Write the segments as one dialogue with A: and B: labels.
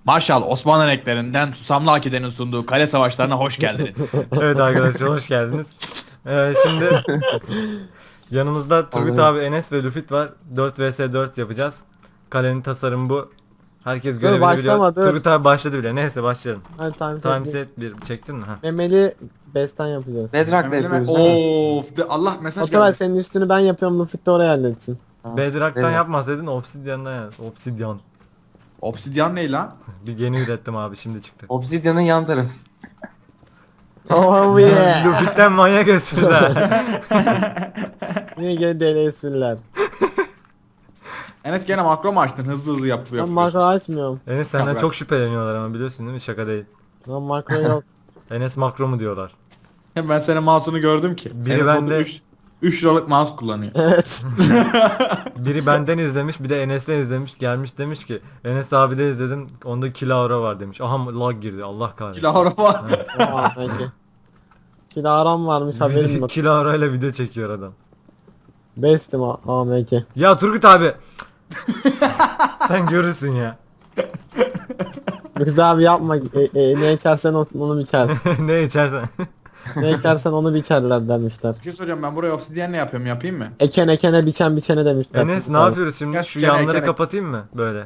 A: Marshall Osmanlı renklerinden Susamlı Akide'nin sunduğu kale savaşlarına hoş geldiniz.
B: Evet arkadaşlar hoş geldiniz. Şimdi yanımızda Turgut
C: Aldım.
B: abi, Enes ve Lüfit var. 4 vs 4 yapacağız. Kalenin tasarımı bu. Herkes
D: Dur,
B: görevini biliyor.
D: başlama, dur.
B: Turgut abi başladı bile. Neyse başlayalım.
D: Hadi
B: Time set 1 çektin mi? Ha.
D: Memeli besten yapacağız.
C: Bedrock'ta yapıyoruz. değil mi?
A: Of Allah mesaj
D: Oturay
A: geldi.
D: senin üstünü ben yapıyorum, Lufit de oraya halletsin.
C: Tamam.
B: Bedrock'tan
C: Bedrock.
B: yapmasaydın Obsidian'dan yap. Obsidian.
A: Obsidyen ne lan?
B: Bir yeni ürettim abi, şimdi çıktı.
C: Obsidian'ın yan tarafı.
D: Oh yeah.
B: Lüfit'ten manyak espriler.
D: Niye gene deli espriler.
A: Enes gene makro mu açtın? Hızlı hızlı
D: Ben
A: yapıyor.
D: makro açmıyorum.
B: Enes senden
A: Yaprak.
B: çok şüpheleniyorlar ama biliyorsun değil mi? Şaka değil.
D: Ben makro yok.
B: Enes makro mu diyorlar.
A: Ben senin mouse'unu gördüm ki.
B: Biri
A: Enes
B: bende-
A: 3 liralık mouse kullanıyor.
D: Evet.
B: Biri benden izlemiş, bir de Enes'ten izlemiş, gelmiş demiş ki Enes abi de izledim, onda kilavra var demiş. Aha lag girdi, Allah kahretsin.
A: Kilavra var.
D: Aa, peki. Kilaram varmış haberim yok.
B: Kilavra ile video çekiyor adam.
D: Bestim AMK.
B: Ya Turgut abi. Sen görürsün ya.
D: Güzel abi yapma. Ne içersen onu biçersin.
B: Ne içersen.
D: Ne içersen onu biçerler demişler.
A: Bir şey soracağım, ben buraya obsidyen ne yapıyorum, yapayım mı?
D: Eken ekene biçen biçene demişler.
B: Enes ne yapıyoruz şimdi?
A: Gel
B: Şu
A: gene,
B: yanları
A: gene.
B: kapatayım mı? Böyle.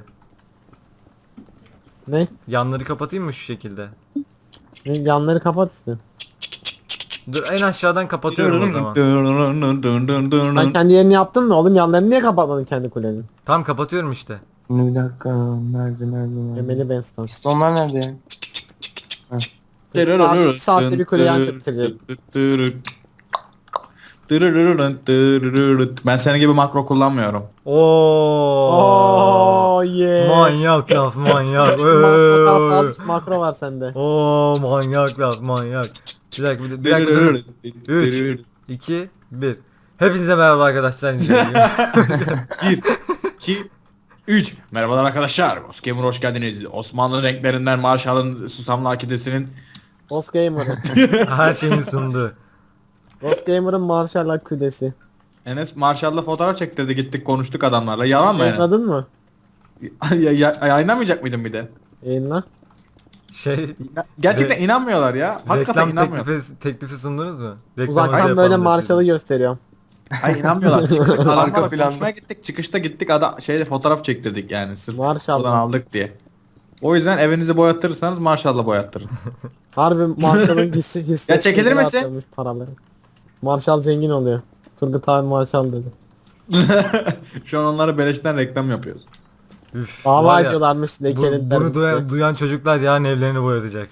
D: Ne?
B: Yanları kapatayım mı şu şekilde?
D: Yanları kapat işte.
B: Dur, en aşağıdan kapatıyorum o zaman.
D: Ben kendi yerini yaptım mı oğlum, yanlarını niye kapatmadın kendi kulenin?
B: Tam kapatıyorum işte.
C: Şimdi bir dakika. Nerede?
D: Memeli Benston.
C: Pistonlar nerede ya?
D: Abi, bir saatte bir kuleyi anlatacağım.
A: Ben senin gibi makro kullanmıyorum.
B: Oo.
D: Oh yeah.
B: Manyak laf, manyak.
D: Azıcık makro var sende.
B: Oo, manyak laf, manyak. Bir dakika, bir dakika. Dur. 3, 2, 1. Hepinize merhaba arkadaşlar.
A: 1, 2, 3. Merhabalar arkadaşlar. Osgamer hoş geldiniz. Osmanlı renklerinden Marshall'ın Susamlı Akidesi'nin
D: Boss Gamer'ın.
B: Her şeyini sundu.
D: Boss Gamer'ın Marshall'la kudesi.
A: Enes Marshall'la fotoğraf çektirdi, gittik konuştuk adamlarla. Yalan mı Enes?
D: Yayınladın mı?
A: Yayınlamayacak mıydın bir de?
D: Yayınla.
B: Şey,
A: Gerçekten inanmıyorlar ya. Hakikaten
B: reklam
A: inanmıyorlar.
B: teklifi sundunuz mu? Reklamınızı
D: Uzaktan
B: yapalım
D: böyle
B: dedi.
D: Marshall'ı gösteriyorum.
A: Ay inanmıyorlar. Çıktık adamlarla
C: Arka planda.
A: konuşmaya gittik. Çıkışta gittik şeyde fotoğraf çektirdik yani. Sırf
D: Marshall.
A: buradan aldık diye. O yüzden evinizi boyattırırsanız Marshall'la boyattırın.
D: Harbi Marshall'ın hissi.
A: Ya çekilir misin?
D: atıyormuş Paraları. Marshall zengin oluyor. Turgut abi Marshall dedi.
A: Şu an onlara beleşten reklam yapıyoruz.
B: Üf,
D: Dava
B: var ya,
D: ediyorlarmış lekenin
B: bunu duyan çocuklar yarın evlerini boyatacak.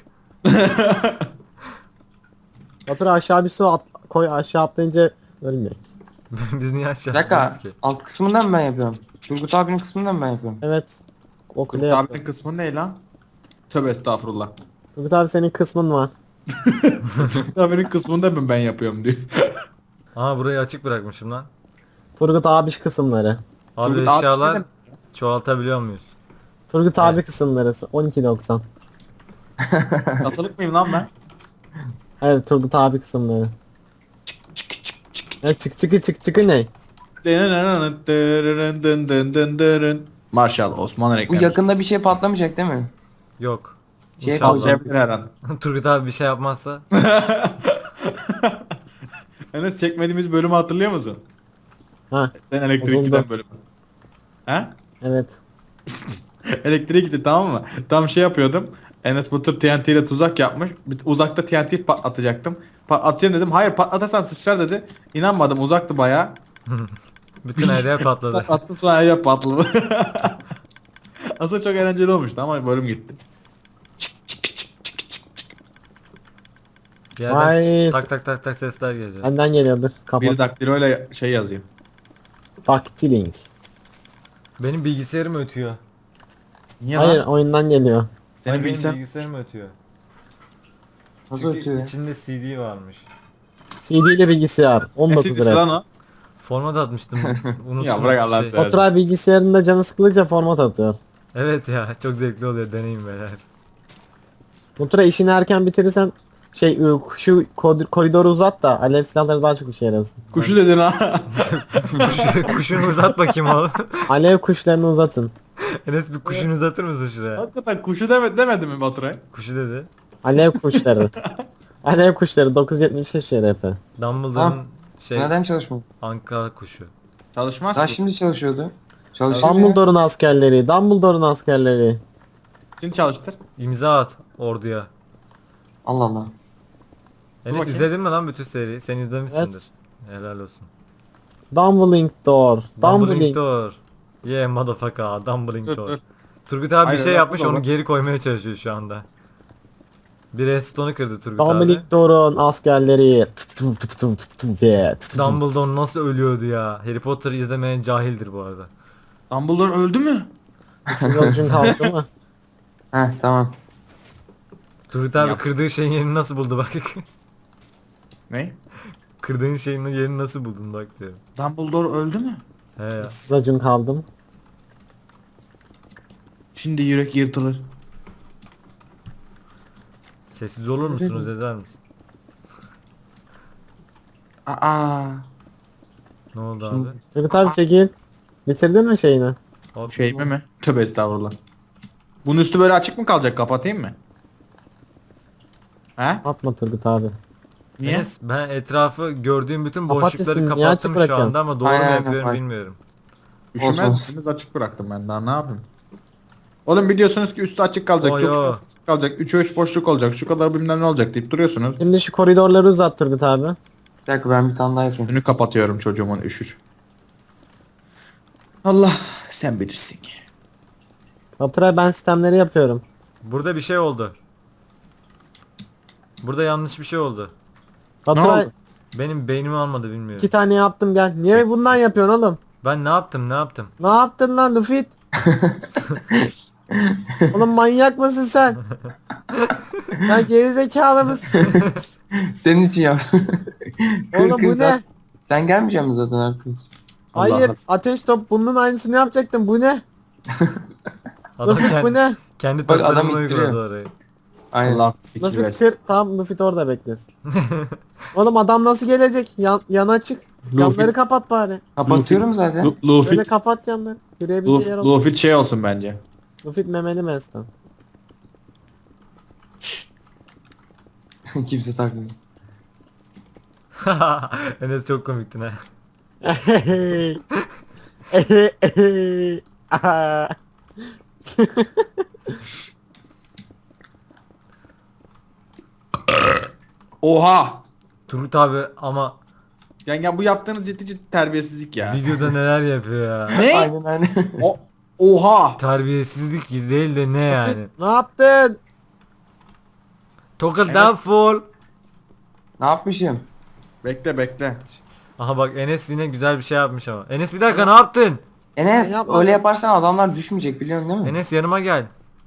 D: Otur aşağı bir su koy, aşağı atlayınca ölmüyor.
B: Biz niye aşağı
C: Bir dakika.
B: atlarız ki?
C: Alt kısmından mı ben yapıyorum? Turgut abinin kısmından mı ben yapıyorum?
D: Evet. O kule
A: Turgut
D: yaptı.
A: abinin kısmı ne lan? Tövbe estağfurullah.
D: Turgut abi senin kısmın var.
A: Turgut abinin kısmında mı ben yapıyorum diyor.
B: Aha, burayı açık bırakmışım lan.
D: Turgut abi kısımları.
B: Abi
A: Turgut abi
B: eşyalar
A: işte
B: çoğaltabiliyor muyuz?
D: Turgut abi kısımları 12.90.
A: Satılık mıyım lan ben?
D: Evet Turgut abi kısımları. Ya çıkı ne?
A: Marshall Osmanlı
C: Bu
A: reklamı.
C: yakında bir şey patlamayacak değil mi?
B: Yok.
C: Şey
B: İnşallah.
C: koyacağım.
A: Yapabilir her an.
B: Turgut abi bir şey yapmazsa.
A: Enes çekmediğimiz bölümü hatırlıyor musun?
D: Ha
A: Sen elektrik
D: Bozuldu.
A: giden bölümü. He?
D: evet.
A: Elektriğe gitti, tamam mı? Tam şey yapıyordum. Enes Batur TNT ile tuzak yapmış. Uzakta TNT patlatacaktım. Patlatayım dedim. Hayır, patlatarsan sıçrar dedi. İnanmadım, uzaktı bayağı.
B: Bütün her yer patladı.
A: Attı sonra ya patladı. Aslında çok eğlenceli olmuştu ama bölüm gitti.
B: Bir yerden
D: Vay.
B: tak tak sesler geliyor.
D: Benden geliyordur.
A: Biri
D: Kapat.
A: daktiloyla şey yazıyor.
D: Daktiling.
B: Benim bilgisayarım ötüyor.
A: Niye
D: Hayır
A: lan?
D: oyundan geliyor.
A: Senin
B: Benim
A: bilgisayar...
B: bilgisayarım ötüyor.
C: Nasıl
B: Çünkü
C: ötüyor ya?
B: içinde CD varmış.
D: CD ile bilgisayar. 19
A: Esidisi
D: lira.
A: lan o.
B: Format atmıştım. Unuttum.
A: Ya bırak Allah'ını seversen.
D: Oturay bilgisayarında canı sıkılınca format atıyor.
B: Evet ya, çok zevkli oluyor, deneyim beyler.
D: Oturay işini erken bitirirsen şu koridoru uzat da alev silahları daha çok işe yarasın.
A: Kuşu dedin ha.
B: Kuşunu uzat bakayım oğlum.
D: Alev kuşlarını uzatın.
B: Enes bir kuşunu uzatır mısın şuraya?
A: Hakikaten kuşu demedi mi Baturay?
B: Kuşu dedi.
D: Alev kuşları. Alev kuşları 975 şerefe.
B: Dumbledore'un şey
C: Neden çalışmadı?
B: Ankara kuşu.
A: Çalışmaz
C: Daha
A: ki.
C: şimdi çalışıyordu. Çalışıyor ya.
D: Dumbledore'un askerleri. Dumbledore'un askerleri.
A: Şimdi çalıştır.
B: İmza at orduya.
C: Allah Allah.
B: Enes
A: bakayım.
B: izledin mi lan bütün seriyi? Sen izlemişsindir. Helal olsun.
D: Dumbling Door.
B: Dumbling
D: Dumbling.
B: Door. Yeah motherfucker. Dumbling
A: Dur
B: Door.
A: dur.
B: Turgut abi
A: Hayır,
B: bir şey
A: yapma
B: yapmış
A: baba.
B: onu geri koymaya çalışıyor şu anda. Bir redstone'u kırdı Turgut abi.
D: Dumbling Door'un askerleri.
B: Dumbledore nasıl ölüyordu ya? Harry Potter'ı izlemeyen cahildir bu arada.
A: Dumbledore öldü mü?
D: Siz yolcun kalktı mı?
C: Heh tamam.
B: Turgut abi
A: Yap.
B: kırdığı şeyin yerini nasıl buldu bak.
A: Ne?
B: Kırdığın şeyin yerini nasıl buldun bak diyor.
A: Dumbledore öldü mü?
B: He ya.
D: Siz yolcun kaldım.
A: Şimdi yürek yırtılır.
B: Sessiz olur musunuz eder misin?
A: Aa.
B: Ne oldu abi?
D: Turgut abi çekil. Bitirdin mi şeyini?
B: Hop.
A: Şey mi? Tövbe estağfurullah. Bunun üstü böyle açık mı kalacak? Kapatayım mı? He?
D: Atma Turgut abi.
A: Niye?
B: Enes, ben etrafı gördüğüm bütün
D: Kapat
B: boşlukları
D: üstünü, niye açık
B: kapattım şu
D: bırakıyorsun?
B: anda ama doğru mu
C: Aynen,
B: yapıyorum
C: aynen.
B: bilmiyorum.
A: Üşümez
C: Olsun.
A: misiniz? Açık bıraktım ben daha ne yapayım? Oğlum biliyorsunuz ki üstü açık kalacak,
B: Oy,
A: yok
B: oy.
A: şurası açık kalacak, 3'e 3 boşluk olacak, şu kadar bilmem ne olacak deyip duruyorsunuz.
D: Şimdi şu koridorları uzat Turgut abi.
C: Bir dakika ben bir tane daha yapayım.
A: Üstünü kapatıyorum çocuğumun üşür. Allah sen bilirsin.
D: Baturay ben sistemleri yapıyorum.
B: Burada bir şey oldu. Burada yanlış bir şey oldu.
D: Baturay
A: oldu?
B: Benim beynimi almadı bilmiyorum.
D: 2 tane yaptım gel. Niye bundan yapıyorsun oğlum?
B: Ben ne yaptım ne yaptım?
D: Ne yaptın lan Luffy? Oğlum manyak mısın sen? Sen gerizekalı mısın?
C: Senin için yaptım.
D: Oğlum bu ne?
C: Sen gelmeyecek misin zaten artık?
D: Hayır
A: Allah.
D: ateş top bunun aynısını yapacaktım bu ne?
B: Adam
D: Luffy bu
B: kendi,
D: ne?
B: kendi
C: Bak, adam
B: tasarımını
C: ittiriyor.
B: uyguladı orayı.
C: Aynen.
A: Allah fikir
D: Luffy
A: versin.
D: kır tamam Luffy orada beklesin. Oğlum adam nasıl gelecek? Yan açık. Yanları kapat bari.
C: Kapatıyorum zaten.
A: Luffy,
D: Böyle kapat yanları. Yürüyebileceği yer olsun.
A: Luffy şey olsun bence.
D: Luffy memeli meslen.
C: Kimse takmıyor.
B: Enes çok komiktin ha.
A: Oha!
B: Turgut abi ama
A: Yani bu yaptığınız ciddi ciddi terbiyesizlik ya.
B: videoda neler yapıyor ya.
A: Ne?
C: Aynen aynen.
A: Oha!
B: Terbiyesizlik değil de ne yani.
D: Ne yaptın?
B: Tokadan full.
C: Ne yapmışım?
A: Bekle bekle.
B: Aha bak Enes yine güzel bir şey yapmış ama. Enes bir dakika ne yaptın?
C: Enes
D: Ben yapmadım.
C: öyle yaparsan adamlar düşmeyecek biliyorsun değil mi?
B: Enes yanıma gel.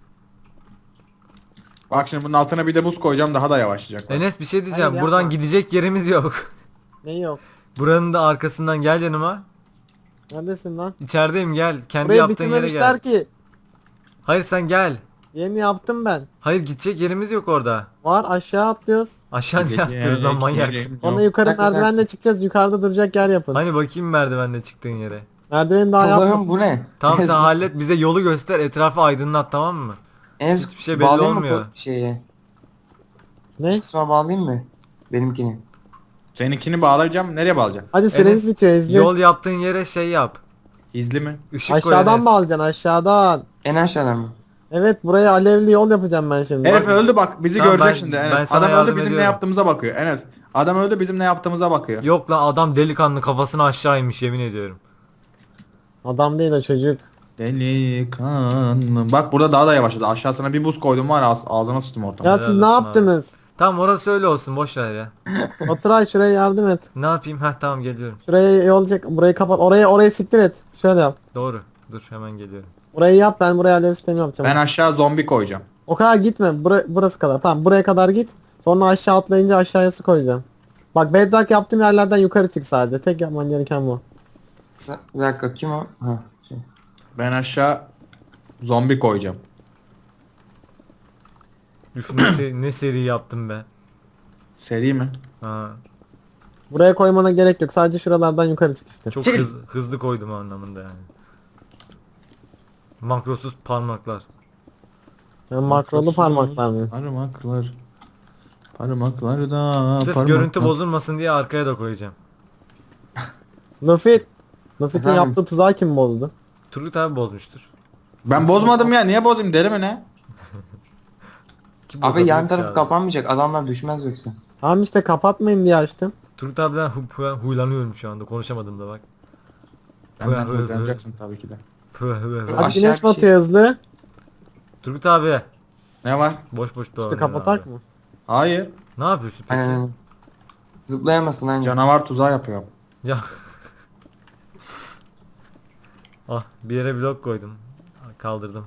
A: Bak şimdi bunun altına bir de buz koyacağım daha da yavaşlayacak.
B: Enes bir şey diyeceğim.
D: Hayır,
B: Buradan
D: yapma.
B: gidecek yerimiz yok.
D: Ne yok?
B: Buranın da arkasından gel yanıma.
D: Neredesin lan?
B: İçerideyim gel. Kendi
D: Burayı
B: yaptığın yere
D: bitirmemişler
B: gel.
D: ki.
B: Hayır sen gel.
D: Yeni yaptım ben.
B: Hayır gidecek yerimiz yok orada.
D: Var aşağı atlıyoruz.
B: Aşağı niye atlıyoruz lan manyak.
D: Sonra yukarı
C: Dakika,
D: merdivenle çıkacağız. Yukarıda duracak yer yapın.
B: Hani bakayım merdivenle çıktığın yere.
D: Merdiveni daha
C: Allah'ım
D: yapmadım.
C: bu ne?
B: Tamam
C: Enes,
B: sen hallet bize yolu göster etrafı aydınlat tamam mı?
C: Enes
B: hiçbir şey belli
C: bağlayayım mı
B: olmuyor.
C: Şeye.
D: Ne?
C: Kısma bağlayayım mı? Benimkini.
A: Seninkini bağlayacağım. Nereye bağlayacağım?
D: Hadi süreniz
B: Enes,
D: bitiyor izle.
B: Yol yaptığın yere şey yap.
A: İzli mi?
B: Işık koy
D: Aşağıdan
B: Enes.
D: bağlayacaksın aşağıdan.
C: En aşağıdan mı?
D: Evet buraya alevli yol yapacağım ben şimdi.
A: Herif öldü bak bizi
B: Tamam,
A: görecek
B: ben-
A: şimdi
B: ben
A: Enes.
B: sana
A: Adam öldü
B: yardım
A: bizim ne
B: ediyorum.
A: yaptığımıza bakıyor Enes. Adam öldü bizim ne yaptığımıza bakıyor.
B: Yok lan adam delikanlı kafasını aşağı inmiş yemin ediyorum.
D: Adam değil o çocuk.
A: Delikanlı. Bak burada daha da yavaşladı. Aşağısına bir buz koydum var ağzına sıçtım ortamı.
D: Ya
B: Helal
D: siz ne
B: olsun
D: yaptınız?
B: Tamam orası öyle olsun boş ver ya.
D: Oturay şuraya yardım et.
B: Ne yapayım? Heh tamam geliyorum.
D: Şuraya yol çek. Burayı kapat. Orayı siktir et. Şöyle yap.
B: Doğru. Dur hemen geliyorum.
D: Burayı yap ben buraya alev sistemi yapacağım.
A: Ben aşağı zombi koyacağım.
D: O kadar gitme. Burası kadar. Tamam buraya kadar git. Sonra aşağı atlayınca aşağıya su koyacağım. Bak bedrock yaptığım yerlerden yukarı çık sadece. Tek yapman gereken bu.
C: Bir dakika kim o? Ha. Şey.
A: Ben aşağı zombi koyacağım.
B: Üf ne seri yaptım be.
A: Seri mi?
B: Ha,
D: Buraya koymana gerek yok. Sadece şuralardan yukarı çık işte.
B: çok hızlı koydum anlamında yani. Makrosuz parmaklar.
D: Yani makrolu parmaklar mı?
A: Parmaklar. Parmaklarda
B: Sırf
A: parmaklar.
B: görüntü bozulmasın diye arkaya da koyacağım.
D: Luffy. Luffy'nin
C: Efendim?
D: yaptığı tuzağı kim bozdu?
B: Turgut abi bozmuştur.
A: Ben bozmadım ya. Niye bozayım deli mi ne?
B: Kim
C: Abi
B: bozabilir
C: yan
B: ki
C: taraf
B: abi?
C: kapanmayacak. Adamlar düşmez yoksa.
D: Tamam işte kapatmayın diye açtım.
B: Turgut abiden huylanıyorum şu anda. Konuşamadım da bak.
A: Benden uygulayacaksın tabii ki de.
D: Hadi
C: Aşağı
D: güneş
C: bir şey-
D: batıyor hızlı.
B: Turgut abi.
A: Ne var?
B: Boş boş
D: İşte
B: doğru.
D: kapatak mı?
A: Hayır.
B: Ne yapıyorsun peki?
C: Aynen. Zıplayamazsın aynen.
A: Canavar tuzağı yapıyorum.
B: Ya. Ah bir yere blok koydum. Kaldırdım.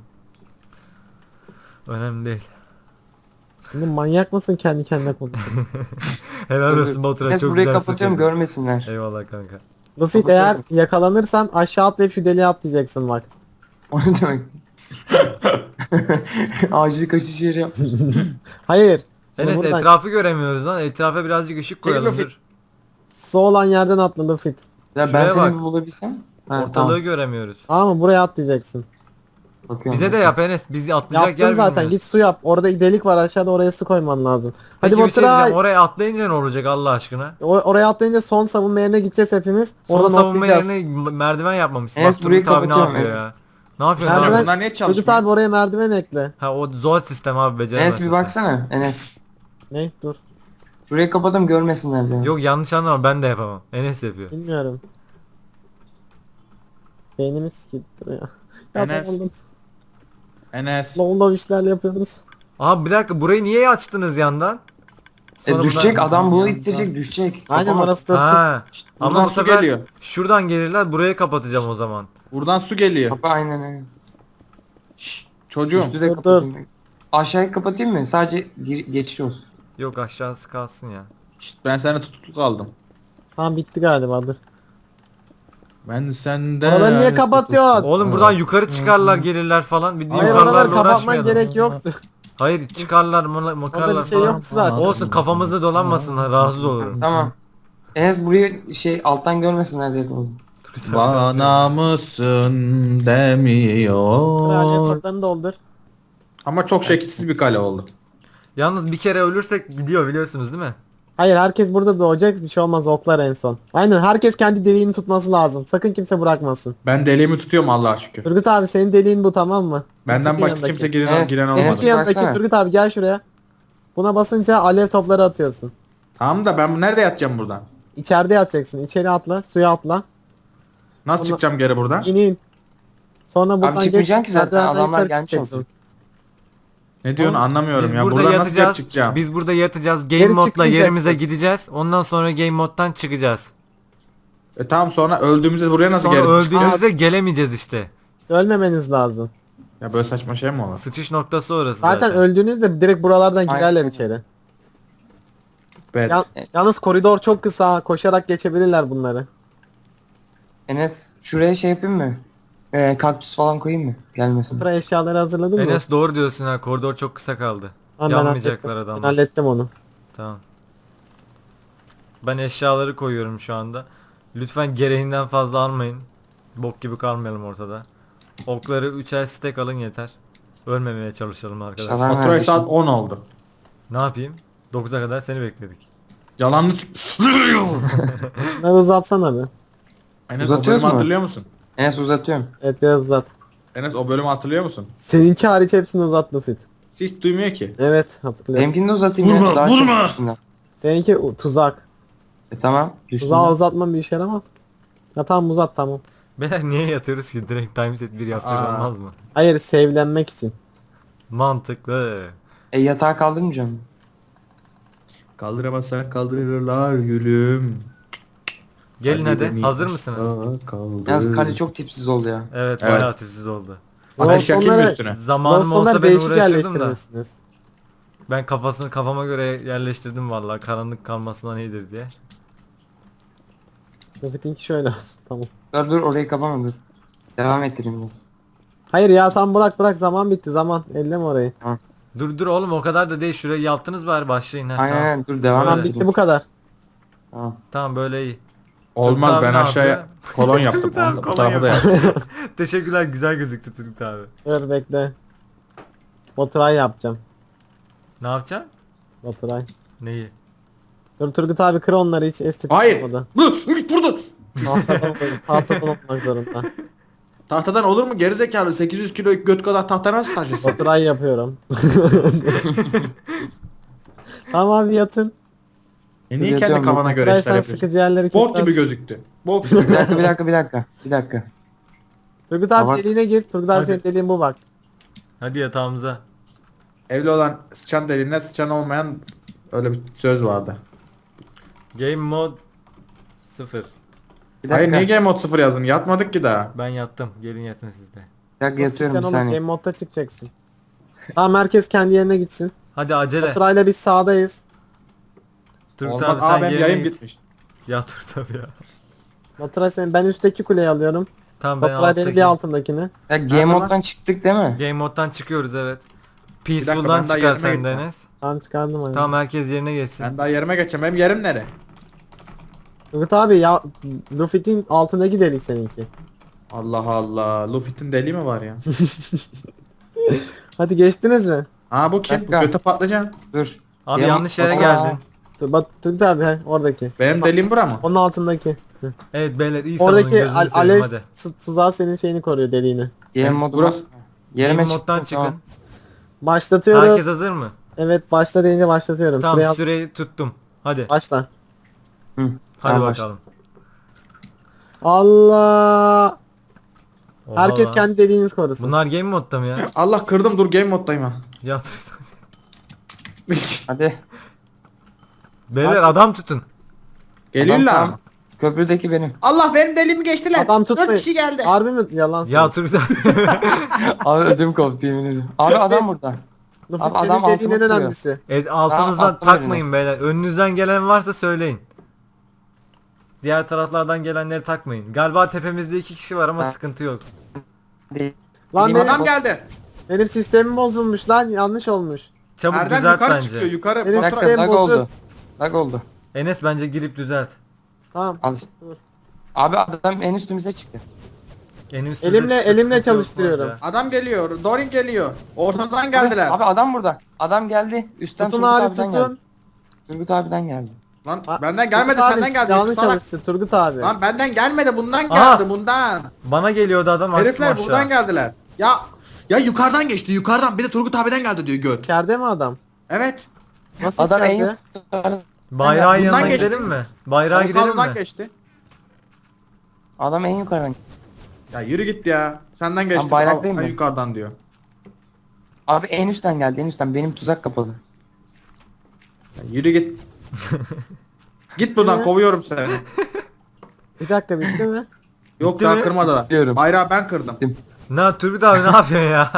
B: Önemli değil.
D: Şimdi manyak mısın kendi kendine konuşuyorsun?
B: Helal olsun Batur'a,
C: Enes
B: çok
C: burayı
B: güzel
C: kapatıyorum
B: sıçradın.
C: görmesinler.
B: Eyvallah kanka.
D: Luffy eğer yakalanırsan aşağı atlayıp şu deliğe atlayacaksın bak.
C: O ne demek? Acil kaçış yeri yap.
D: Hayır.
B: Enes
D: Buradan
B: etrafı göremiyoruz lan. Etrafa birazcık ışık koyalım.
A: Luffy.
B: Dur.
D: su olan yerden atla Luffy.
C: Ya ben
B: Şuraya
C: seni
B: bak.
C: bir bulabilsem. Ha,
B: Ortalığı
C: tamam.
B: göremiyoruz.
D: Ama buraya atlayacaksın.
C: Bakıyorum.
B: Bize de yap Enes. Biz atlayacak yer
D: Yaptın zaten
B: bilmiyoruz.
D: git su yap. Orada delik var aşağıda oraya su koyman lazım. Hadi
B: Peki bir şey
D: Batur'a
B: diyeceğim. Oraya atlayınca ne olacak Allah aşkına?
D: oraya atlayınca son savunma yerine gideceğiz hepimiz.
B: Son
D: Oradan
B: savunma
D: atlayacağız.
B: yerine merdiven yapmamışsın.
C: Enes,
B: Bak
C: burayı
B: Turgut abi ne
C: kapatıyorum,
B: yapıyor
C: Enes.
B: ya? Ne yapıyorsun
A: Merdiven-
B: abi?
A: Bunlar niye
D: Turgut
A: çalışmıyor?
D: abi oraya merdiven ekle.
B: Ha o zor sistem abi beceremezsin.
C: Enes bir
B: sen.
C: baksana Enes.
D: Ne? Dur.
C: Şurayı kapadım görmesinler diye.
B: Yok yanlış anlama ben de yapamam. Enes yapıyor.
D: Bilmiyorum. Beynimiz sikildi ya.
A: Enes.
D: Yapamadım.
A: Enes.
D: Lol işler yapıyoruz.
B: Abi bir dakika burayı niye açtınız yandan? Sonra
C: Düşecek
B: buradan-
C: adam bunu
A: Yandan.
C: ittirecek düşecek.
D: Aynen
C: Kapamaz.
D: orası da su.
B: Ha. Ama
A: buradan
B: bu
A: su
B: sefer
A: geliyor.
B: şuradan gelirler buraya kapatacağım o zaman.
A: Buradan su geliyor.
C: Kapa aynen aynen.
A: Şşş, çocuğum.
C: Üstü de
D: Dur,
C: kapatayım. Aşağıyı kapatayım mı? Sadece geçiş olsun.
B: Yok aşağısı kalsın ya.
A: Şşt, ben sana tutukluk aldım.
D: Tamam bitti galiba dur.
A: Ben senden...
D: Oraları niye kapatıyorsun?
B: Oğlum buradan yukarı çıkarlar gelirler falan. Bir
D: Hayır
B: yukarılarla
D: oraları kapatman
B: uğraşmayalım.
D: gerek yoktu.
B: Hayır çıkarlar
D: Orada
B: makarlar
D: bir şey
B: falan.
D: yoktu zaten.
B: Olsun kafamızda dolanmasın rahatsız olurum.
C: Tamam. Enes burayı şey alttan görmesinler diye yapalım.
A: Bana mısın
D: Kraliyet
A: demiyor.
D: toplarını doldur.
A: Ama çok şekilsiz bir kale oldu.
B: Yalnız bir kere ölürsek gidiyor biliyorsunuz değil mi?
D: Hayır herkes burada doğacak bir şey olmaz oklar en son. Aynen herkes kendi deliğini tutması lazım. Sakın kimse bırakmasın.
A: Ben deliğimi tutuyorum Allah'a şükür.
D: Turgut abi senin deliğin bu tamam mı?
A: Benden
D: Luffy'nin
A: başka
D: yanındaki.
A: kimse giren,
C: Enes,
A: giren
C: Enes,
A: olmadı.
D: Luffy'nin yanındaki
C: baksana.
D: Turgut abi gel şuraya. Buna basınca alev topları atıyorsun.
A: Tamam da ben nerede yatacağım buradan?
D: İçeride yatacaksın. İçeri atla, suya atla.
A: Nasıl
D: Onu-
A: çıkacağım geri buradan?
D: İn in. Sonra buradan
C: çıkmayacaksın ki zaten,
D: merdivenden
C: adamlar
D: yukarı
C: gelmiş
D: çıkacaksın.
C: olacak.
A: Ne diyorsun
B: Oğlum,
A: anlamıyorum
B: Biz
A: ya.
B: burada
A: Buradan nasıl
B: yatacağız.
A: çıkacağım?
B: Biz burada yatacağız. Game
D: Geri
B: modla
D: çıkmayacaksın.
B: yerimize gideceğiz. Ondan sonra game moddan çıkacağız.
A: Tamam sonra öldüğümüzde buraya nasıl
B: Sonra
A: geri çıkacağız?
B: öldüğümüzde gelemeyeceğiz işte.
D: Ölmemeniz lazım.
A: Ya böyle saçma şey mi olur?
B: Sıçış noktası orası
D: Zaten
B: zaten.
D: öldüğünüzde direkt buralardan
C: Aynen.
D: girerler içeri.
A: Evet.
D: Yalnız koridor çok kısa. Koşarak geçebilirler bunları.
C: Enes şuraya şey yapayım mı? Kaktüs falan koyayım mı? Gelmesin.
D: Sıra eşyaları hazırladın mı?
B: Enes doğru diyorsun ha. Koridor çok kısa kaldı.
D: Tamam, ben
B: Yanmayacaklar
D: hallettim. Ben
B: adamlar.
D: hallettim onu.
B: Tamam. Ben eşyaları koyuyorum şu anda. Lütfen gereğinden fazla almayın. Bok gibi kalmayalım ortada. Okları 3'er stack alın yeter. Ölmemeye çalışalım arkadaşlar.
C: İnşallah.
A: Faturayı
C: neredesin?
A: saat 10 oldu.
B: Ne yapayım? 9'a kadar seni bekledik.
A: Yalanlı
D: Bunları uzatsana bir.
A: Enes o
C: Uzatıyoruz
A: bölümü
C: mu?
A: hatırlıyor musun?
C: Enes uzatıyorum.
D: Evet biraz uzat.
A: Enes o bölümü hatırlıyor musun?
D: Seninki hariç hepsini uzat Luffy.
A: Hiç duymuyor ki.
D: Evet hatırlıyorum.
C: Benimkini de uzatayım
A: Vurma,
C: ya. Daha
A: vurma!
C: çok üstünden.
D: Seninki tuzak.
C: Tamam.
D: Tuzağı uzatman bir işe yaramaz. Ya tamam uzat tamam.
B: Beyler niye yatıyoruz ki? Direkt timeset 1 yapsak
A: Aa.
B: olmaz mı?
D: Hayır sevlenmek için.
B: Mantıklı.
C: Yatağı kaldırmayacağım.
A: Kaldıramazsan kaldırırlar gülüm.
B: Gelin hadi.
A: beni
B: Hazır
A: aşağı
B: mısınız?
A: kaldır.
C: Yalnız kale çok tipsiz oldu ya.
B: Evet,
A: Evet.
B: bayağı tipsiz oldu.
A: Ateş yakayım mı
D: Glowstone'ları-
A: üstüne?
B: Zamanım olsa
D: Glowstone'ları
B: ben
D: değişik
B: uğraşırdım da.
D: yerleştirmişsiniz.
B: Ben kafama göre yerleştirdim vallahi karanlık kalmasından iyidir diye.
D: Luffy'ninki şöyle olsun tamam.
C: Dur orayı kapama dur. Devam ettireyim biraz.
D: Hayır ya tam bırak zaman bitti zaman. Elleme orayı.
B: Dur oğlum o kadar da değil şurayı yaptınız bari başlayın ha.
C: Aynen
B: Tamam.
C: aynen dur devam
B: Öyle.
D: Tamam
C: ettireyim.
D: bitti bu kadar.
C: Tamam.
B: Tamam böyle iyi.
A: Olmaz,
B: abi
A: ben
B: ne
A: aşağıya
B: yapıyor?
A: kolon yaptım.
B: Turgut abi
A: Bu
B: kolon
A: tarafa da
B: yapıyor.
A: yaptım.
B: Teşekkürler, güzel gözüktü Turgut abi.
D: Dur bekle. Baturay yapacağım.
B: Ne yapacaksın?
D: Baturay.
B: Neyi?
D: Dur Turgut abi kır onları, hiç estetik
A: Hayır.
D: olmadı.
A: Git burada.
D: Tahtadan olmak zorunda.
A: Tahtadan olur mu gerizekalı, 800 kilo göt kadar tahta nasıl taşırsın?
D: Baturay yapıyorum. Tamam abi yatın.
A: Niye kendi
C: Yatıyorum,
A: kafana göre
D: Baturay
A: işler
D: sen
A: yapıyorsun?
D: sıkıcı yerleri
A: Bok gibi
D: kes.
A: gözüktü. Bok gibi.
C: Bir dakika bir dakika bir dakika. Bir dakika.
D: Turgut abi
C: Baba-
D: deliğine gir. Turgut abi
B: Hadi.
D: senin deliğin bu bak.
B: Hadi yatağımıza.
A: Evli olan sıçan deliğine, sıçan olmayan, öyle bir söz vardı.
B: Game mode 0.
C: Bir
A: Hayır,
C: dakika.
A: niye Game Mode 0 yazdın? Yatmadık ki daha.
B: Ben yattım. Gelin yatın siz de.
C: Bir dakika yatıyorum
D: Sen
C: bir
D: oğlum game
C: saniye.
D: modda çıkacaksın. Tamam herkes kendi yerine gitsin.
B: Hadi acele.
D: Baturay'la biz sağdayız.
B: Turgut
A: Olmaz
B: abi sen
A: abi, benim
B: yerine
A: yayın
B: git.
A: bitmiş.
B: Ya Turgut abi ya.
D: Baturay ben üstteki kuleyi alıyorum.
B: Tamam ben
D: Baturay benim
B: alttaki.
D: bir altındakini.
C: Ya
A: Nerede
C: game
A: lan?
C: moddan çıktık değil mi?
B: Game moddan çıkıyoruz evet.
A: dakika,
B: Peaceful'dan
A: ben daha
B: çıkar
A: yerime
B: sen
A: gideceğim.
B: Deniz.
D: Tamam çıkardım hani.
B: Tamam herkes yerine geçsin.
A: Ben daha yerime geçeceğim. Benim yerim nere?
D: Turgut abi ya Luffy'nin altındaki delik seninki.
A: Allah Allah. Luffy'nin deliği mi var ya?
D: Hadi geçtiniz mi?
A: Aa, bu kim? Bu
C: Dakika.
A: göte patlıcan.
C: Dur.
B: Abi
C: Game
B: yanlış yere
C: Aa,
B: geldin.
D: Turgut abi oradaki.
A: Benim deliğim bura mı?
D: Onun altındaki. Hı.
B: Evet beyler iyi savunun
D: Oradaki
B: gözünü seveyim
D: alev
B: hadi.
D: tuzağı senin şeyini koruyor, deliğini.
C: Game modu
A: Burası.
C: Yerime
B: Game moddan
C: çıktım, tamam.
B: çıkın.
D: Başlatıyoruz.
B: Herkes hazır mı?
D: Evet başla deyince başlatıyorum.
B: Tamam
D: Şuraya
B: süreyi tuttum. Hadi.
D: başla.
C: Hı.
B: Hadi
C: Tamam,
B: bakalım.
D: Allah.
B: Oha
D: Herkes
B: lan.
D: kendi deliğiniz korusun.
B: Bunlar game modda mı ya?
A: Allah, kırdım, dur game moddayım ha.
B: Ya Turgut abi.
C: Hadi.
B: Beyler adam tutun.
A: Geliyorlar
C: Adam
A: mı?
C: Köprüdeki benim.
A: Allah, benim deliğimi geçtiler.
D: Adam
A: 4
D: tutmayın.
A: kişi geldi.
D: Harbi mi? Yalan
B: Ya
D: söylüyor.
B: Turgut abi.
C: Abi ödüm koptu yemin ediyorum. Abi adam burada.
D: Luffy
C: Abi
D: senin
C: adam
D: dediğin en
C: altıma
D: önemlisi.
B: Evet, altınızdan
C: Tamam, attım
B: takmayın beyler. Önünüzden gelen varsa söyleyin. Diğer taraflardan gelenleri takmayın. Galiba tepemizde 2 kişi var ama
C: Ha.
B: sıkıntı yok.
C: Değil.
D: Lan
C: Benim
A: Adam geldi.
D: benim sistemim bozulmuş lan, yanlış olmuş.
B: Çabuk
A: Erdem
B: düzelt
A: yukarı
B: bence.
A: çıkıyor, yukarı.
D: Benim
C: Bir
A: Basra.
C: dakika lag
D: bozuk.
C: oldu. Lag oldu.
B: Enes bence girip düzelt.
D: Tamam.
C: Al işte.
D: Dur.
C: Abi adam en üstümüze çıktı.
B: En üstünde
D: Elimle-
B: çıktı,
D: elimle
B: sıkıntı yok
D: çalıştırıyorum.
B: bence.
A: Adam geliyor. Dorin geliyor. Ortadan geldiler.
C: Abi adam burada. Adam geldi. Üstten
D: Tutun
C: Turgut
D: abi
C: abiden
D: tutun.
C: geldi. Turgut abiden geldi.
A: Lan
D: Ha,
A: benden gelmedi,
D: Turgut abi,
A: senden geldi.
D: Yanlış
A: Salak.
D: çalıştı Turgut abi.
A: Lan benden gelmedi, bundan
B: Aha.
A: geldi, bundan.
B: Bana geliyordu adam attım
A: Herifler
B: aşağı.
A: buradan geldiler. Ya yukarıdan geçti, yukarıdan. Bir de Turgut abiden geldi diyor göt.
D: İçeride mi adam?
A: Evet.
D: Nasıl
C: Adam en
D: içeride?
C: yukarı.
B: Bayrağın
A: Bundan
B: yanına
A: geçti.
B: gidelim mi? Bayrağa gidelim
A: Avukadondan
B: mi?
A: geçti.
C: Adam en yukarıdan.
A: Ya yürü git ya. Senden geçti.
C: bayraktayım
A: Ben
C: ben.
A: yukarıdan diyor.
C: Abi en üstten geldi en üstten. Benim tuzak kapalı.
A: Ya yürü git. Git buradan, kovuyorum seni.
D: Bir dakika bitti mi?
A: Yok,
B: Bitti
A: daha
B: mi?
A: kırmadılar.
C: Biliyorum.
A: Bayrağı ben kırdım.
B: Ne Turgut abi ne yapıyorsun ya?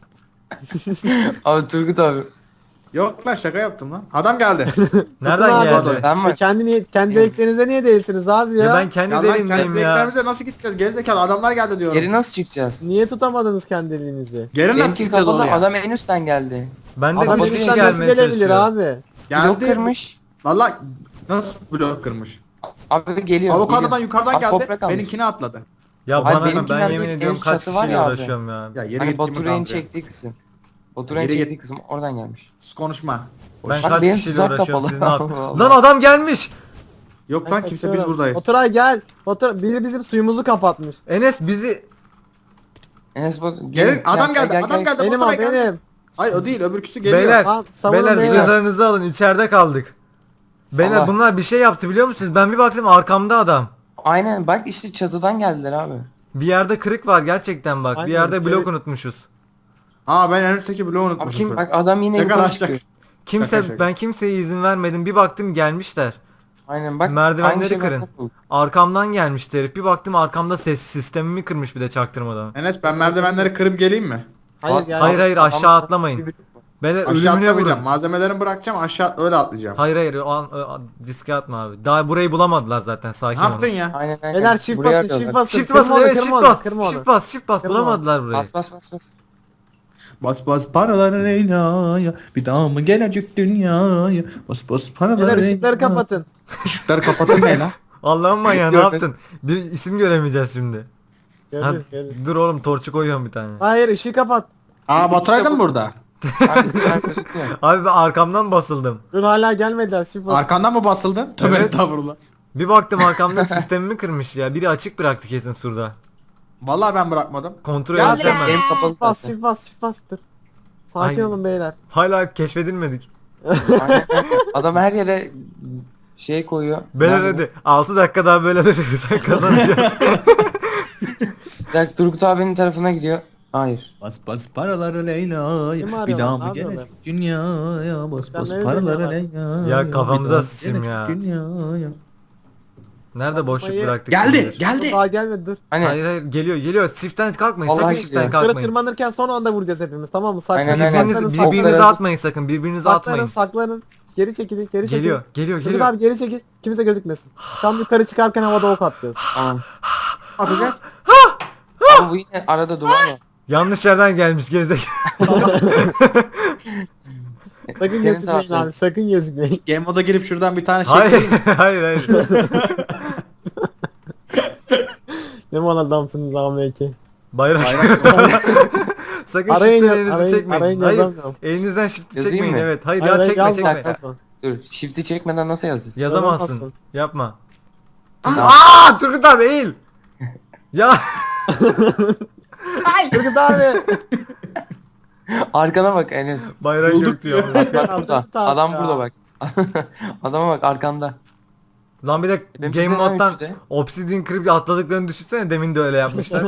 C: Abi Turgut abi.
A: Yok lan, şaka yaptım lan. Adam geldi.
B: Nereden
D: abi.
B: geldi?
C: Ben mi?
D: Kendi deliklerinize niye değilsiniz abi ya?
B: Ya ben kendi
A: Ya lan,
B: deliğimdeyim
A: kendi
B: ya.
A: eklerimize nasıl gideceğiz? Gerizekalı adamlar geldi diyorum.
C: Geri nasıl çıkacağız?
D: Niye tutamadınız kendi deliğinizi?
A: Geri nasıl
C: Benimki
A: çıkacağız
C: kapalı.
A: oraya?
C: Adam en üstten geldi.
B: Ben de
D: Adam
B: bir kişi
D: elimizden nasıl
B: gelmeye
D: gelebilir
B: çalışıyor.
D: abi?
C: Blok
A: Geldi.
C: kırmış.
A: Valla nasıl blok kırmış?
C: Abi geliyor.
A: Avokadodan
C: geliyor.
A: yukarıdan
C: Abi
A: geldi.
C: toprak almış.
A: Benimkini atladı.
B: Ya
C: Hayır,
B: bana
C: benimkiler
B: ben
C: değil,
B: yemin
C: en
B: ediyorum kaç
C: çatı var
B: kişiyle
C: ya abi.
B: uğraşıyorum ya.
A: Ya yeri
C: Hani
A: git
C: Baturay'ın
A: Baturay'ın
C: çektiği kısım. Baturay'ın
A: Yürü
C: çektiği
A: git.
C: kısım oradan gelmiş.
A: Sus, konuşma.
B: Ben
C: Bak
B: kaç
C: benim
B: kişiyle
C: tuzak
B: uğraşıyorum
C: kapalı.
B: siz ne yapıyorsunuz?
C: Allah
B: Lan
C: Allah.
B: adam gelmiş.
A: Yok lan, kimse, biz
D: Kaçıyorum.
A: buradayız.
D: Oturay gel. Biri bizim suyumuzu kapatmış.
B: Enes bizi
C: Enes bak.
A: Gelin, adam geldi, adam geldi.
D: Benim o
A: Baturay geldi.
D: benim.
A: Hayır, o değil, öbürküsü geliyor.
B: beyler
D: Tamam, savunun
B: beyler
D: beyler.
B: zırhlarınızı alın içeride kaldık. Beyler
C: Allah.
B: bunlar bir şey yaptı biliyor musunuz? Ben bir baktım arkamda adam.
C: Aynen bak işte çatıdan geldiler abi.
B: Bir yerde kırık var gerçekten bak. Bir
D: Aynen,
B: yerde blok
D: evet.
B: unutmuşuz.
A: Aa, ben en üstteki bloğu
C: Abi
A: unutmuşum.
C: kim bak adam yine
A: Şaka
C: yukarı
A: lan,
C: çıkıyor.
B: Kimse
A: Şaka, şaka.
B: ben kimseye izin vermedim. Bir baktım gelmişler.
C: Aynen bak.
B: Merdivenleri
C: aynı şey
B: kırın.
C: bak, bak.
B: Arkamdan gelmişti herif. Bir baktım arkamda ses sistemimi kırmış bir de çaktırmadan.
A: Enes, ben merdivenleri kırıp geleyim mi?
D: Hayır gel.
B: Hayır hayır
C: Adam-
B: aşağı atlamayın. Beyler
A: Aşağı
B: ölümüne
A: atlamayacağım.
B: vurun.
A: Malzemelerimi bırakacağım, aşağı öyle atlayacağım.
B: Hayır hayır riske atma abi. Daha burayı bulamadılar zaten sakin
A: Ne yaptın
B: olun.
A: ya?
C: Aynen aynen.
D: Beyler çift
C: Buraya
D: basın,
C: atıyorlar.
D: çift basın.
B: Shift
D: Kırma
B: basın
D: onu,
B: evet
D: kırma
B: shift
D: onu,
B: bas.
D: kırma onu.
B: Shift bas shift bas
D: Kırma.
B: bulamadılar burayı.
C: Bas bas bas bas.
A: Bas bas paraları Leyla'ya, bir daha mı gelecek dünyaya? Bas bas paraları
D: Beyler ışıkları kapatın.
A: Işıkları kapatın ne lan?
B: Allah'ım manyağı ne
C: Görmedim.
B: yaptın? Bir isim göremeyeceğiz şimdi. Ha,
D: Görürüz görürüz.
B: dur oğlum torçu koyuyorum bir tane.
D: Hayır ışığı kapat.
A: Aa Baturay da mı burada?
C: Abi sıkıntı gözükmüyor.
B: Abi ben arkamdan basıldım.
D: Dur hala gelmediler. Shift bas.
A: Arkandan mı basıldın? Tövbe
B: Evet.
A: estağfurullah.
B: Bir baktım arkamda sistemimi kırmış ya. Biri açık bıraktı kesin surda.
A: Vallahi ben bırakmadım.
B: Kontrol
A: Geldi.
B: edeceğim ben.
C: Benim kapalı
D: Shift bas
C: zaten.
D: shift bas shift bas. Dur. Sakin
B: Ay.
D: olun beyler.
B: Hala keşfedilmedik.
C: Aynen. Adam her yere şey koyuyor.
B: Beyler
C: Nerede?
B: hadi 6 dakika daha böyle durursak kazanacağız.
C: Bir dakika, Turgut abinin tarafına gidiyor. Hayır.
A: Bas bas paraları Leyla'ya.
D: Kim arıyor
A: Bir daha
D: lan?
A: mı
D: Ne yapıyorlar?
A: gelecek dünyaya? Bas
D: Sen
A: bas
D: ne
A: paraları
D: deniyorlar?
A: Leyla'ya.
B: Ya kafamıza
A: Bir daha
B: sıçayım
A: gelecek
B: ya.
A: dünyaya.
B: Nerede boşluk
D: Hayır.
B: bıraktık?
A: Geldi
B: kimdir?
D: Dur,
A: geldi.
D: daha gelmedi dur.
C: Hani
B: Hayır hayır geliyor geliyor. Shift'ten kalkmayın.
C: Vallahi
B: Sakın
C: geliyor.
B: shift'ten
D: Yukarı
B: kalkmayın.
D: tırmanırken son anda vuracağız hepimiz tamam mı?
C: Aynen,
D: Saklanın
C: aynen.
B: Birbirinizi,
D: saklanın
B: birbirinize
C: Okları-
B: atmayın sakın. Birbirinize
D: saklanın
B: atmayın.
D: saklanın. Geri çekilin geri çekilin.
B: Geliyor geliyor
D: Turgut
B: geliyor.
D: abi geri çekil. Kimse gözükmesin. Tam yukarı çıkarken havada ok atacağız.
C: tamam.
A: Atacağız.
C: Ama bu yine arada duvar var.
B: Yanlış yerden gelmiş gerizekalı.
D: Sakın
C: Senin
D: gözükmeyin
C: taraftan.
D: abi sakın gözükmeyin.
A: Game moda girip şuradan bir tane şey
B: Hayır
A: koyayım.
B: hayır hayır.
D: Ne mal adamsınız abi ki.
B: Bayrak.
A: Bayrak.
B: Sakın
D: Arayın
B: shift'ten
D: ya-
B: elinizi
D: arayın-
B: çekmeyin.
D: arayın
B: Hayır.
D: yazamıyorum.
B: Elinizden shift'i
C: Yazayım
B: çekmeyin
C: mı?
B: evet. Hayır
D: Hayır,
B: ya
D: hayır,
B: çekme
D: yazma,
B: çekme.
D: yazma.
C: Dur. Shift'i çekmeden nasıl yazacağız?
B: Yazamazsın.
D: Yazamazsın.
B: Yapma.
C: Tamam.
B: Aa Turgut abi eğil. Ya
D: Turgut abi.
C: Arkana bak Enes.
B: bayrak
A: Bulduk
B: yok diyor.
C: Bak
D: Ya,
C: burada.
D: Turgut abi
C: Adam
D: ya.
C: burada bak. Adama bak arkanda.
B: Lan bir de
C: Benim
B: game
C: bizden
B: moddan
C: üçte.
B: Obsidian Creep atladıklarını düşünsene demin de öyle yapmışlar.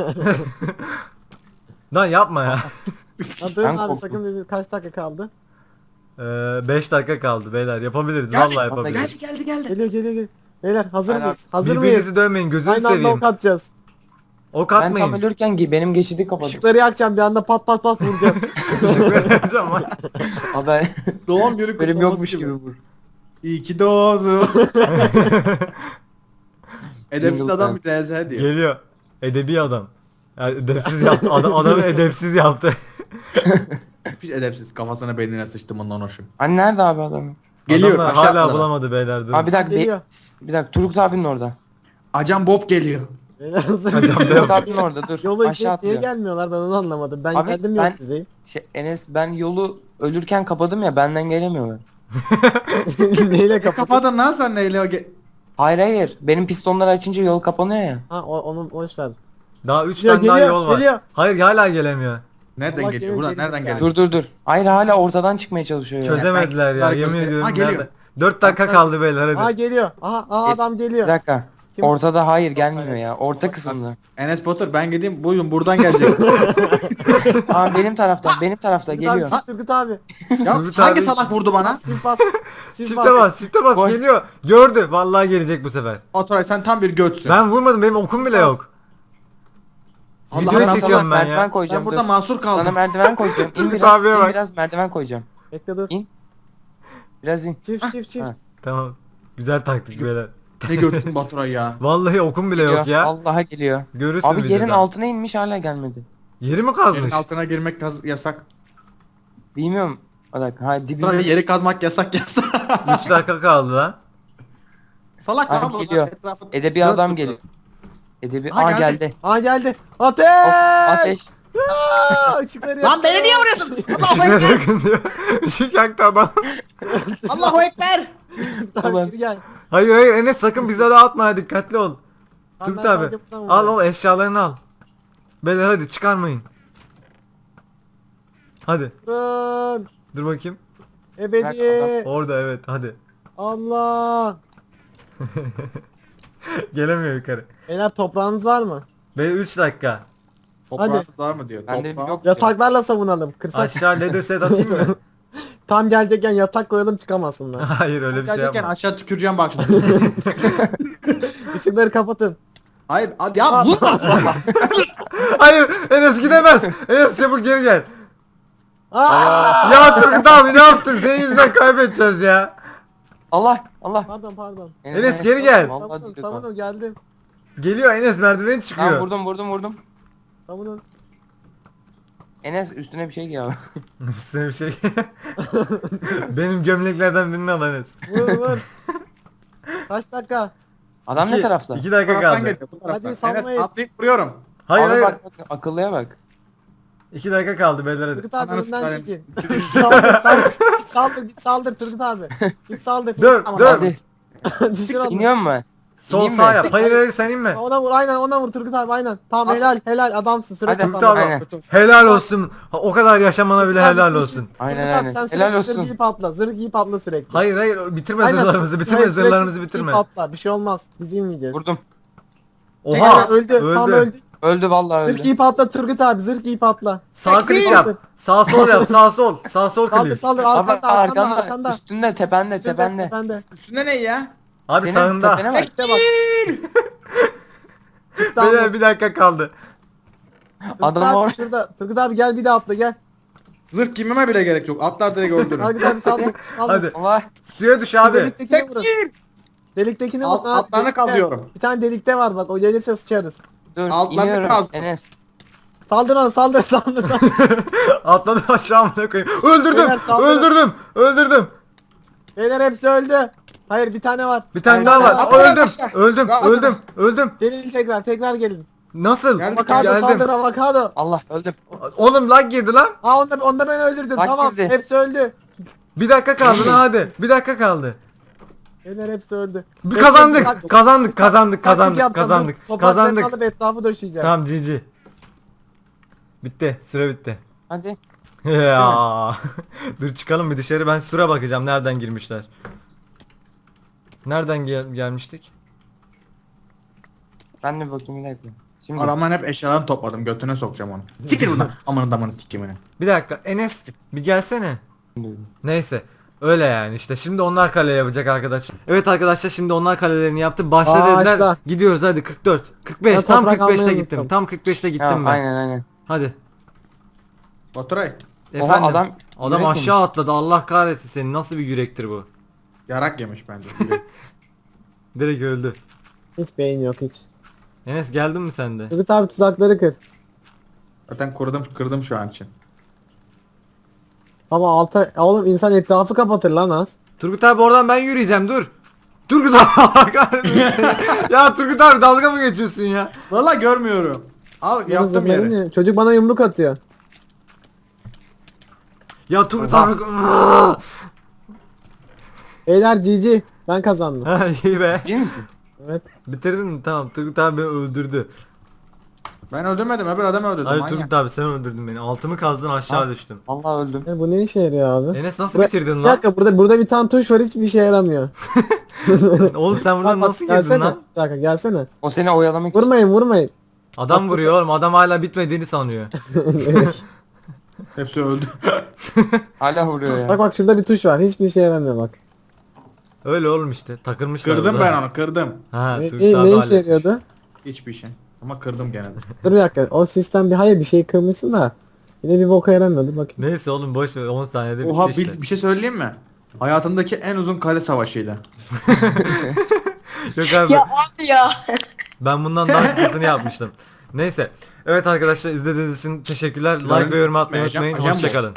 B: Lan yapma ya.
D: Ya dur
C: Ben
D: abi
C: korktum.
D: sakın kaç dakika kaldı?
B: 5 dakika kaldı beyler yapabiliriz
A: Geldi,
B: vallahi yapabiliriz.
A: geldi.
D: Geliyor geliyor geliyor. Beyler hazır
C: Aynen.
D: mıyız? Hazır mıyız?
B: Birbirinizi dövmeyin gözünü
D: Aynı anda
B: seveyim.
D: ok atacağız.
B: Ok
C: Ben tam
B: atmayın.
C: ölürken benim geçidi kapadım.
D: Işıkları yakacağım bir anda pat pat pat vuracağız.
B: Işıkları yakacağım lan.
C: Abi ben
A: Doğum günü
C: benim
A: kutlaması
C: yokmuş gibi vur.
A: İyi ki doğdun. Edepsiz
C: Jingle
A: adam
C: time.
A: bir TZ diyor.
B: Geliyor. Edebi adam. Yani edepsiz yaptı. Adamı edepsiz yaptı.
A: Hiç edepsiz. Kafasına beynine sıçtım ondan hoşum.
C: Hani nerede abi adam?
A: Geliyor.
B: Adamlar
A: aşağı
B: hala
A: atladı.
B: bulamadı beyler dur.
C: Abi bir dakika.
D: Geliyor.
C: Bir dakika Turgut abinin orada.
A: Acan Bob geliyor.
D: Beyler hazır
B: Hocam
D: mıyız?
C: Turgut abinin orada dur.
D: Yolu
C: Aşağı
D: izleyip niye
C: atlıyor.
D: gelmiyorlar ben onu anlamadım. Ben
C: Abi,
D: geldim
C: ben-
D: yok sizdeyim.
C: Enes ben yolu ölürken kapadım ya benden gelemiyorlar.
D: Neyle kapat?
A: Kapadın lan sen neyle o
C: Hayır hayır. Benim pistonları açınca yol kapanıyor ya.
D: Ha onu boş ver.
B: Daha 3
D: Geliyor,
B: tane daha
D: geliyor,
B: yol var.
D: geliyor.
B: Hayır hala gelemiyor.
A: Nereden
D: Allah
A: geliyor?
D: geliyor,
A: Buradan
D: geliyor.
A: nereden
D: Yani.
A: geliyor?
C: Dur. Hayır hala ortadan çıkmaya çalışıyor ya.
B: Çözemediler ya
A: ben-
B: yemin
A: Ha,
B: ediyorum.
A: geliyor.
B: Nerede? 4 dakika kaldı beyler
D: Aa
B: hadi.
D: geliyor. Aha adam
C: Bir
D: geliyor.
C: dakika.
D: Kim?
C: Ortada hayır gelmiyor ya. Orta kısımda.
A: Enes Batur ben gideyim buyurun buradan gelecek.
C: Aa benim tarafta
D: Turgut abi,
C: geliyor.
D: Turgut abi.
A: ya
B: Turgut
A: hangi
B: abi-
A: salak vurdu bana?
D: Çift bas.
B: Çifte bas çifte bas
C: Koy.
B: geliyor. Gördü vallahi gelecek bu sefer.
A: Baturay sen tam bir götsün.
B: Ben vurmadım benim okum bile yok.
A: Allah
B: Videoyu
A: Allah,
B: çekiyorum ben
C: merdiven
B: ya.
C: koyacağım.
A: Ben burada
C: dur.
A: mahsur
C: Sana
A: kaldım.
C: merdiven koyacağım. İn
B: Turgut
C: biraz,
B: abiye
C: in
B: bak.
C: biraz merdiven koyacağım.
D: Bekle dur.
C: İn. Biraz in.
D: Çift.
C: Ha.
B: Tamam. Güzel taktik beyler.
A: Ne götsün Baturay ya.
B: Vallahi okum bile yok ya.
C: Vallahi geliyor.
B: Görürsün
C: Abi yerin
B: videoda.
C: altına inmiş hala gelmedi.
B: Yeri mi
A: Yerin
B: kazmış?
A: altına girmek yasak.
C: Bilmiyorum. Bir dakika. Ha dibinde.
A: Baturay yeri kazmak yasak.
B: 3 dakika kaldı lan.
A: Salak
C: Abi
A: lan bu.
C: geliyor.
A: Etrafı
C: Edebi
A: dört
C: adam
A: tuttu.
C: geliyor. Edebi.
A: Ha,
C: Aa
A: geldi.
C: geldi.
D: Aa geldi. Ateş!
C: Hop, ateş.
D: Aa, ışıkları
A: Lan beni
D: yakıyor.
A: niye vuruyorsun? Allahu
B: Işıklara
A: Ekber.
B: yakın diyor. Işık yaktı adam.
A: Allahu Ekber.
D: Turgut abi geri gel.
B: Hayır hayır Enes sakın bize de atma dikkatli ol.
D: Tamam,
B: Turgut
D: ben
B: abi
D: sadece buradan
B: al
D: vuruyorum.
B: al eşyalarını al. Beyler hadi çıkarmayın. Hadi
D: Durun.
B: dur bakayım.
D: Ebedi.
B: Orada evet hadi.
D: Allah.
B: Gelemiyor yukarı.
D: Beyler toprağınız var mı?
B: Ve 3 dakika.
A: Toprağınız var mı diyor.
C: Bende
A: Toprağı.
C: yok.
D: Yataklarla savunalım. Kırsak.
B: Aşağı leder set atayım mı?
D: Tam gelecekken yatak koyalım çıkamasınlar.
B: Hayır öyle bir şey
A: Gerçekten
B: yapma.
A: aşağı tüküreceğim bak şimdi.
D: Işıkları kapatın.
A: Hayır hadi ya bu.
B: Hayır Enes gidemez. Enes çabuk geri gel.
D: Aa!
B: Ya Turgut abi ne yaptın? Senin yüzünden kaybedeceğiz ya.
C: Allah. Allah.
D: Pardon.
B: Enes, geri gel.
C: Vallahi
D: Savunun
C: dikkat
D: savunun geldim.
B: Geliyor Enes merdiveni çıkıyor.
C: Tamam vurdum.
D: Savunun.
C: Enes üstüne bir şey giy abi.
B: Üstüne bir şey. Benim gömleklerden birini al Enes.
D: Vur. Kaç dakika?
C: Adam ne tarafta?
B: 2 dakika
A: Taraftan
B: kaldı.
A: geliyor, bu taraftan.
D: Hadi salmayın.
A: Enes atlayıp vuruyorum.
B: Hayır
C: Abi
B: hayır.
C: bak akıllıya bak.
B: 2 dakika kaldı beyler hadi.
D: Turgut abi
A: Ananı
D: önden
A: sikeyim.
D: çekin. Saldır saldır. Git saldır git saldır Turgut abi. Git saldır.
B: Dön,
D: Tamam,
B: dön.
D: hadi. Düşür onu.
C: İniyor mu?
B: Sol
C: İneyim
B: sağ
C: mi?
B: yap. Hayır hayır sen inme.
D: Ona vur aynen ona vur Turgut abi aynen. Tamam helal adamsın süre
C: Hadi,
B: Turgut
D: kazandın.
B: abi
C: Aynen.
B: helal olsun. Ha, o kadar yaşamana bile
D: Turgut abi,
B: helal
D: sür-
B: olsun.
C: Aynen,
D: Turgut abi,
C: aynen.
D: sen
C: Helal
D: sürekli
C: olsun.
D: zırh giyip atla. Zırh giyip atla sürekli.
B: Hayır hayır bitirme
D: Aynen,
B: zırhlarımızı bitirme
D: sürekli
B: zırhlarımızı
D: zırh
B: bitirme.
D: giyip atla. Bir şey olmaz. Biz inmeyeceğiz.
C: Vurdum.
B: Oha
D: öldü. Tam öldü.
C: Öldü vallahi
D: Zırh
C: öldü.
D: giyip atla Turgut abi. Zırh giyip atla.
B: Sağ klik yap. Sağ sol yap. Sağ sol. Sağ sol
D: Saldır
B: klik.
D: saldır
C: Abi
D: arkanda arkanda.
C: Üstünde tepende
D: Üstünde,
C: tepende.
D: tepende.
A: Üstünde ne ya?
B: Abi
C: Senin
B: sağında.
C: tepene bak.
D: Bekle bak. Çıktı
B: Beyler
D: abi.
B: bir dakika kaldı.
D: Turgut
C: Adam
D: abi
C: var.
D: şurada. Turgut abi gel bir daha atla gel.
A: Zırh giymeme bile gerek yok. Atlar direkt öldürün.
D: Hadi abi saldır.
B: Hadi.
C: Allah.
B: Suya düş
D: Şu
B: abi.
D: deliktekine vurun. Deliktekine vurun. abi,
A: Altlarını
D: delikte.
A: kazıyorum.
D: Bir tane delikte var bak o gelirse sıçarız.
C: Dur
A: Altlarını
C: iniyorum
A: kazdım.
C: Enes.
D: Saldır lan saldır.
B: Atladım aşağı amına koyayım. Öldürdüm.
D: Beyler saldırın.
B: Öldürdüm. Öldürdüm.
D: Beyler hepsi öldü. Hayır bir tane var.
B: Bir tane
D: Hayır,
B: daha
D: bir
B: var.
D: tane
A: Atla,
B: Öldüm.
A: atla.
B: Öldüm.
A: Ya, atla.
B: Öldüm. Öldüm.
D: Gelin tekrar gelin.
B: Nasıl?
A: Geldim.
D: Avokado saldır
B: Geldim.
D: avokado.
C: Allah öldüm.
B: Oğlum lag girdi lan.
D: Aa onda ben öldürdüm
C: Bak
D: tamam
C: girdi.
D: hepsi öldü.
B: Bir dakika kaldı lan hadi. Bir dakika kaldı.
D: Beyler hepsi öldü.
B: Bir
D: Hepsi
B: kazandık.
D: taktik
B: Kazandık. Kazandık.
D: yapacağım.
B: Kazandık. Kazandık.
D: Bu topraklarını
B: Kazandık.
D: alıp etrafı döşeyeceğim.
B: Tamam GG. Bitti. Süre bitti.
C: Hadi.
B: Ya. Dur çıkalım bir dışarı ben süre bakacağım nereden girmişler. Nereden gelmiştik?
C: Ben de bakayım bir dakika. Şimdi
A: Adamların hep eşyalarını topladım. Götüne sokacağım onu. Sikir buradan. Aman adamını sikimini.
B: Bir dakika Enes bir gelsene. Neyse. Öyle yani işte şimdi onlar kale yapacak arkadaşlar. Evet arkadaşlar şimdi onlar kalelerini yaptı. Başla
D: Aa,
B: dediler.
D: başla.
B: Gidiyoruz hadi 44. 45
D: Ben
B: tam
D: toprak
B: 45'te
D: almayı
B: gittim.
D: unuttum.
B: Tam 45'te gittim
C: Ha,
B: ben.
C: aynen.
B: Hadi.
A: Baturay.
B: Efendim.
C: adam yürek
B: aşağı atladı. Allah kahretsin seni. Nasıl bir yürektir bu?
A: Yarak yemiş bence.
B: Direkt öldü.
D: Hiç beyin yok hiç.
B: Enes geldin mi sen de?
D: Turgut abi tuzakları kır.
A: Zaten kırdım şu an için.
D: Ama alta oğlum insan etrafı kapatır lan az.
B: Turgut abi oradan ben yürüyeceğim dur. Turgut abi Allah kahretsin seni. Ya Turgut abi dalga mı geçiyorsun ya?
A: Valla görmüyorum. Al yaptım
D: Zırhların
A: yeri.
D: ya. Çocuk bana yumruk atıyor.
B: Ya Turgut abi.
D: Beyler GG. Ben kazandım.
B: Ha iyi be.
C: Ciddi misin?
D: Evet.
B: Bitirdin mi? Tamam Turgut abi beni öldürdü.
A: Ben öldürmedim. Öbür adamı öldürdüm.
B: Hayır
A: manyak.
B: Turgut abi sen öldürdün beni. Altımı kazdın aşağı düştüm.
C: Allah öldüm.
D: Bu ne işe yarıyor abi?
B: Enes nasıl
D: Bura-
B: bitirdin
D: Bir
B: lan?
D: dakika burada bir tane tuş var hiçbir işe yaramıyor.
B: Oğlum sen buradan
D: Bak,
B: nasıl girdin
D: gelsene.
B: lan?
D: Bir dakika gelsene.
C: O seni oyalamak için.
D: Vurmayın.
B: Adam vuruyor oğlum adam hala bitmediğini sanıyor.
A: Hepsi öldü.
C: Hala vuruyor ya.
D: Bak şurada bir tuş var. Hiçbir işe yaramıyor bak.
B: Öyle oğlum işte takılmışlar.
A: Kırdım
B: burada.
A: ben onu kırdım.
B: Ha
D: Ne,
B: Turgut abi
D: ne işe
B: halletmiş.
D: yarıyordu?
A: Hiçbir şey. Ama kırdım gene de.
D: Dur bir dakika. O sistem hayır bir şey kırmışsın da. Yine bir boka yaramıyordu bakayım.
B: Neyse oğlum boş ver 10 saniyede
A: Oha
B: bitti işte.
A: bir şey söyleyeyim mi? Hayatımdaki en uzun kale savaşıydı.
B: Yok abi
E: Ya abi ya.
B: ben bundan daha kısasını yapmıştım. Neyse. Evet arkadaşlar izlediğiniz için teşekkürler. Like ve yorum atmayı
A: Ajan-
B: unutmayın.
A: ajan bu.
B: Hoşçakalın.